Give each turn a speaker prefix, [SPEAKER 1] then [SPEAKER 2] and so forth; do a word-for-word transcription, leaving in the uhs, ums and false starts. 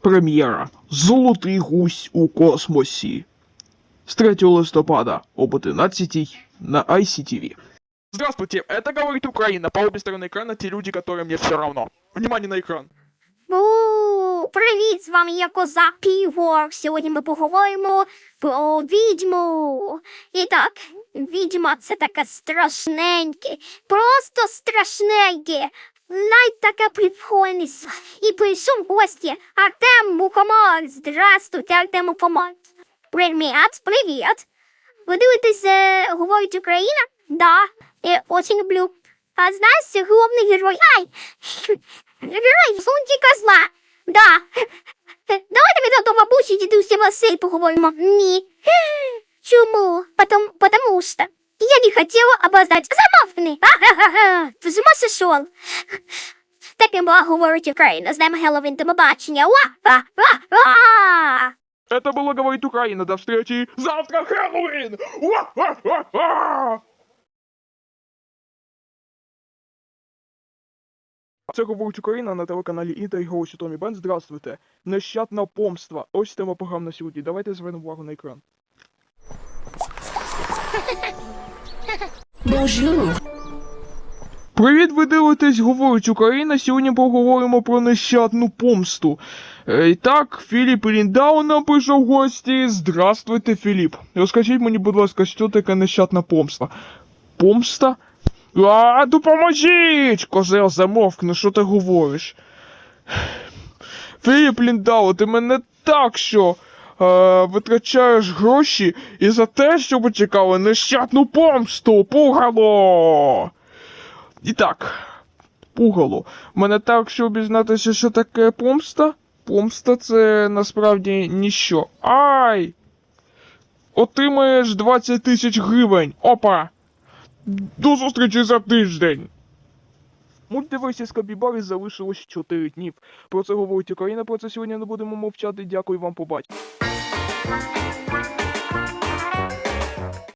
[SPEAKER 1] Прем'єра «Золотий гусь у космосі» с третьего листопада об одиннадцатой на ай си ти ви. Здравствуйте, это говорит Украина. По обе стороны экрана те люди, которым мне все равно. Внимание на экран.
[SPEAKER 2] Бу, привіт, з вами я Козак Півор. Сьогодні ми поговоримо про відьму. І так, відьма це таке страшненьке, просто страшненьке. Навіть таке прикольність. І прийшов в гості Артем Мухомор. Здравствуйте, Артем Мухомор. Привіт, привіт. Ви дивитесь е, «Говорить Україна»? Да, я очень люблю. А знаєш, головний герой? Ай! Герой Сунтіка зла. Да. Давайте ми до бабусі дідусі Василь поговоримо. Ні. Чому? Потому, потому что я не хотела обоздать. Замовкни. Ага-га-га. Ти з ума сошел? Таким була «Говорить Україна». З нами Геловін, до побачення. Ва-ва-ва-ва!
[SPEAKER 1] Это было «Говорит Украина». До встречи завтра, Хэллоуин! Уа-ха-ха-ха! Це «Говорить Україна» на телеканалі Інтер і голосі Томі Бен. Здравствуйте. Нещадна помста. Ось тема програм на сьогодні. Давайте звернемо увагу на екран.
[SPEAKER 3] Bonjour.
[SPEAKER 1] Привіт, ви дивитесь «Говорить Україна». Сьогодні поговоримо про нещадну помсту. Е, І так, Філіп Ліндау нам прийшов в гості. Здравствуйте, Філіп. Розкажіть мені, будь ласка, що таке нещадна помста? Помста? А, допоможіть! Козел, замовкни, що ти говориш? Філіп Ліндау, ти мене так що е, витрачаєш гроші і за те, щоб ви чекали нещадну помсту, пугало! І так, пугало, мене так, щоб дізнатися, що таке помста? Помста це насправді ніщо. Ай! Отримаєш двадцять тисяч гривень. Опа! До зустрічі за тиждень! Мультиверсія з Капібари залишилось чотири днів. Про це говорить Україна, про це сьогодні не будемо мовчати. Дякую вам, побачення.